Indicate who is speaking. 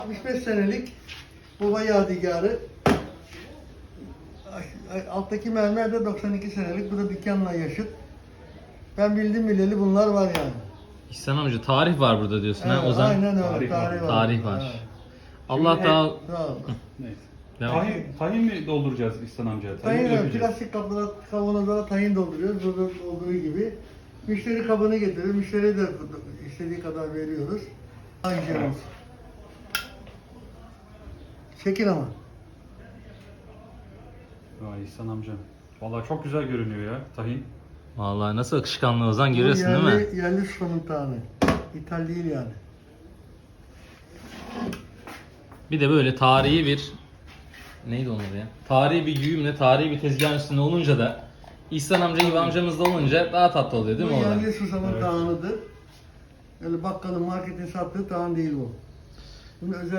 Speaker 1: 65 senelik baba yadigarı. Alttaki mermer de 92 senelik. Bu da dükkanla yaşıt. Ben bildim bileli bunlar var yani.
Speaker 2: İhsan amca tarih var burada diyorsun ha Ozan.
Speaker 1: Aynen öyle.
Speaker 3: Tarih var.
Speaker 2: Tarih var.
Speaker 1: Evet.
Speaker 2: Allah
Speaker 3: Şimdi
Speaker 2: daha...
Speaker 1: Sağ ol.
Speaker 3: Neyse.
Speaker 2: Devam.
Speaker 3: Tahin mi dolduracağız İhsan amca?
Speaker 1: Tahin
Speaker 3: mi dökeceğiz?
Speaker 1: plastik kaplara, kavanozlara tahin dolduruyoruz. Burada olduğu gibi. Müşteri kabını getirir. Müşteriye de istediği kadar veriyoruz. Hangi şey olsun. Çekin ama.
Speaker 3: Vay İhsan amca. Vallahi çok güzel görünüyor ya tahin.
Speaker 2: Vallahi nasıl akışkanlı Ozan
Speaker 1: Bu
Speaker 2: görüyorsun değil mi?
Speaker 1: Yerli ustanın tane. İthal değil yani.
Speaker 2: Bir de böyle tarihi bir... Neydi onun adı ya? Tarihi bir güğümle, tarihi bir tezgahın üstünde olunca da İhsan amca gibi amcamız da olunca daha tatlı oluyor değil mi
Speaker 1: Bu
Speaker 2: Ozan?
Speaker 1: yerli susamın
Speaker 3: Evet.
Speaker 1: tağınıdır. Öyle bakkalın, marketin sattığı tağın değil bu. Bunu özel